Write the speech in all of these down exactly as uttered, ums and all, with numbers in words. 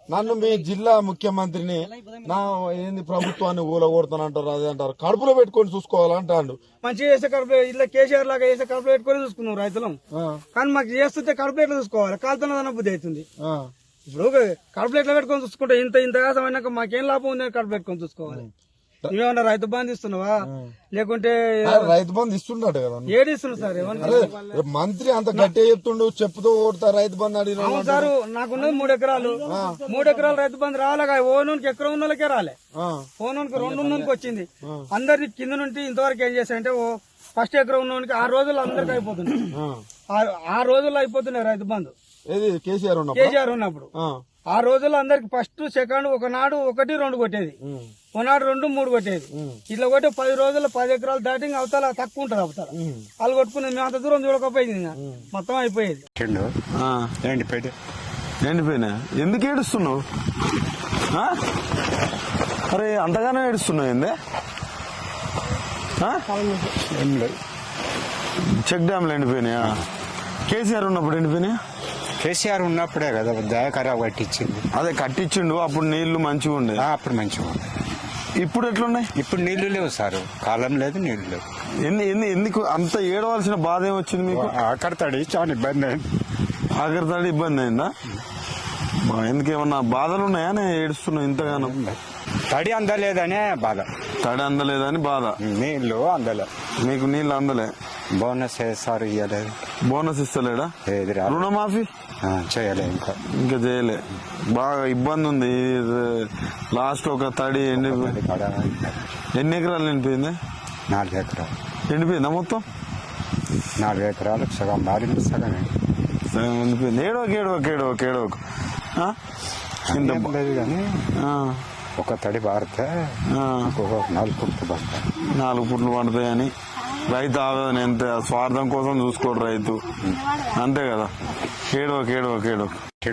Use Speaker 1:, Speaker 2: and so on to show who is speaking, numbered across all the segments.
Speaker 1: నన్ను మీ జిల్లా ముఖ్యమంత్రిని నా ఏంది ప్రభుత్వాన్ని ఊలగొడతానంటారు అదే అంటారు. కడుపులో పెట్టుకొని చూసుకోవాలంటాడు.
Speaker 2: మంచిగా చేస్తే కడుపులో ఇట్లా కేసీఆర్ లాగా చేస్తే కడుపులో పెట్టుకొని చూసుకున్నాం రైతులం. కానీ మాకు చేస్తుంటే కడుపులో ఎట్లా చూసుకోవాలి, కాలుతున్నదన్న బుద్ధి అవుతుంది. ఇప్పుడు కడుపులో ఎట్లా పెట్టుకొని చూసుకుంటే ఇంత ఇంత కాసమైనాక మాకేం లాభం ఉంది కడుపు పెట్టుకొని చూసుకోవాలి. నువ్వేమన్నా రైతు బంధు ఇస్తున్నావా లేకుంటే
Speaker 1: రైతు బంధు ఇస్తున్నాడు కదా?
Speaker 2: ఏది ఇస్తున్నావు సార్? ఏమన్నా
Speaker 1: మంత్రి అంత గట్టిగా చెప్తుండు, చెప్పుతూ ఓడతా రైతు బంధు అడిగిన.
Speaker 2: అవును సార్, నాకున్నది మూడు ఎకరాలు మూడు ఎకరాలు రైతు బంధు రాలేగా. ఓనూనికి ఎకరం ఉన్న వాళ్ళకే రాలే, ఓనూనికి రెండు ఉన్నోనికి వచ్చింది. అందరికి కింద నుండి ఇంతవరకు ఏం చేశారంటే ఓ ఫస్ట్ ఎకరం ఉన్నోనికి ఆరు రోజులు అందరికి అయిపోతుంది. ఆ రోజుల్లో అయిపోతున్నాయి రైతు బంధు.
Speaker 1: ఏది కేసీఆర్ ఉన్నప్పుడు?
Speaker 2: కేసీఆర్ ఉన్నప్పుడు ఆ రోజుల్లో అందరికి ఫస్ట్ సెకండ్ ఒకనాడు ఒకటి రెండు కొట్టేది, ఒకనాడు రెండు మూడు కొట్టేది. ఇట్లా కొట్టి పది రోజుల్లో పది ఎకరాలు దాటి అవతల తక్కువ ఉంటది. అవతల వాళ్ళు కొట్టుకునేది మేము అంత దూరం చూడకపోయింది, మొత్తం అయిపోయేది.
Speaker 3: ఎండిపోయినా ఎందుకు ఏడుస్తున్నావు? అరే అంతగానో ఏడుస్తున్నావు ఏందే? చెక్ డ్యామ్లు ఎండిపోయినాయా? కేసీఆర్ ఉన్నప్పుడు ఎండిపోయినాయా?
Speaker 4: కేసీఆర్ ఉన్నప్పుడే కదా దయాకరావు కట్టించింది.
Speaker 3: అదే కట్టించిండు, అప్పుడు నీళ్లు మంచిగా ఉండే.
Speaker 4: అప్పుడు మంచిగా ఉండే.
Speaker 3: ఇప్పుడు ఎట్లున్నాయి?
Speaker 4: ఇప్పుడు నీళ్లు లేవు సార్, కాలం లేదు, నీళ్లు లేవు.
Speaker 3: ఎన్ని ఎన్ని ఎందుకు అంత ఏడవలసిన బాధ ఏమొచ్చింది మీకు?
Speaker 4: ఆఖరి తడి చాలా ఇబ్బంది అయింది.
Speaker 3: ఆఖరి తడి ఇబ్బంది అయిందా? ఎందుకేమన్నా బాధలు ఉన్నాయా? నేను ఏడుస్తున్నావు ఇంతగానో.
Speaker 4: తడి అందలేదనే బాధ.
Speaker 3: తడి అందలేదని బాధ.
Speaker 4: నీళ్లు అందలే.
Speaker 3: మీకు నీళ్ళు అందలే.
Speaker 4: బోనస్ సార్ ఇవ్వలేదు.
Speaker 3: బోనస్ ఇస్తలేడా? రుణమాఫీ
Speaker 4: చేయలే, ఇంకా
Speaker 3: ఇంకా చేయలే. బాగా ఇబ్బంది ఉంది. లాస్ట్ ఒక తడి ఎండి ఎన్ని ఎకరాలు ఎండిపోయింది?
Speaker 4: నాలుగు ఎకరాలు
Speaker 3: ఎండిపోయిందా మొత్తం?
Speaker 4: నాలుగు ఎకరాలు సగం మారింది, సగం
Speaker 3: సగం ఎండిపోయింది. ఏడవక ఏడవక ఏడవక ఏడవక
Speaker 4: లేదు కానీ ఒక తడి పారితే నాలుగు పుట్లు పడతాయి.
Speaker 3: నాలుగు పుట్లు పడతాయని రైతు ఆవేదన. ఎంత స్వార్థం కోసం చూసుకోడు రైతు, అంతే కదా. ఏడవక ఏడవక ఏడవక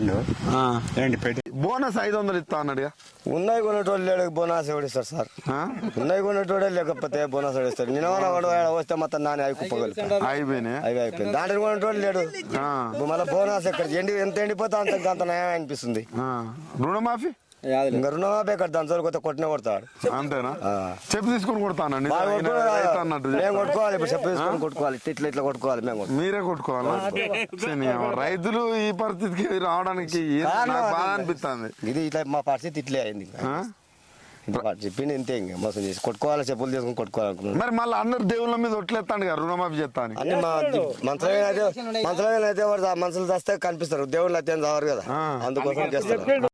Speaker 3: బోనస్ ఐదు వందలు ఇస్తా అన్నాడు.
Speaker 5: ఉన్నాయి కొనేటోళ్ళు లేడు, బోనస్ ఎవడిస్తారు సార్? ఉన్నాయి కొనేటోడే లేకపోతే బోనస్ ఎవడిస్తారు? నేను వస్తే మొత్తం నాని అవి కుప్పగలుగుతాను.
Speaker 3: అయిపోయినాయి
Speaker 5: అవి అయిపోయింది. దాంట్లో కొనేటోళ్ళు లేడు, మళ్ళీ బోనస్ ఎక్కడ ఎండి ఎంత ఎండిపోతే అంత అంత నయం అనిపిస్తుంది.
Speaker 3: రుణమాఫీ
Speaker 5: ఇంకా రుణమాఫీ ఎక్కడ దాని చోటు కొత్త కొట్టినే కొడతాడు.
Speaker 3: అంతేనా? చెప్పు తీసుకొని కొడతానండి
Speaker 5: అన్నట్టు మేము కొట్టుకోవాలి. ఇప్పుడు చెప్పు తీసుకొని కొట్టుకోవాలి, ఇట్లా ఇట్లా కొట్టుకోవాలి. మేము
Speaker 3: మీరే కొట్టుకోవాలా? రైతులు ఈ పరిస్థితికి రావడానికి బాధ అనిపిస్తుంది.
Speaker 5: ఇది ఇట్లా మా పరిస్థితి ఇట్లే అయింది. చెప్పింది ఇంతే, ఇంకా మోసం చేసి కొట్టుకోవాలి, చెప్పులు తీసుకొని కొట్టుకోవాలనుకున్నాను.
Speaker 3: మరి మళ్ళీ అందరు దేవుళ్ళ మీద ఒట్లేస్తాను కదా రుణమాఫీ చేస్తాను.
Speaker 5: అన్ని మా మంత్రులు అయితే మంత్రులు అయితే మనుషులు చేస్తే కనిపిస్తారు, దేవుళ్ళు అయితే రావారు కదా, అందుకోసం చేస్తారు.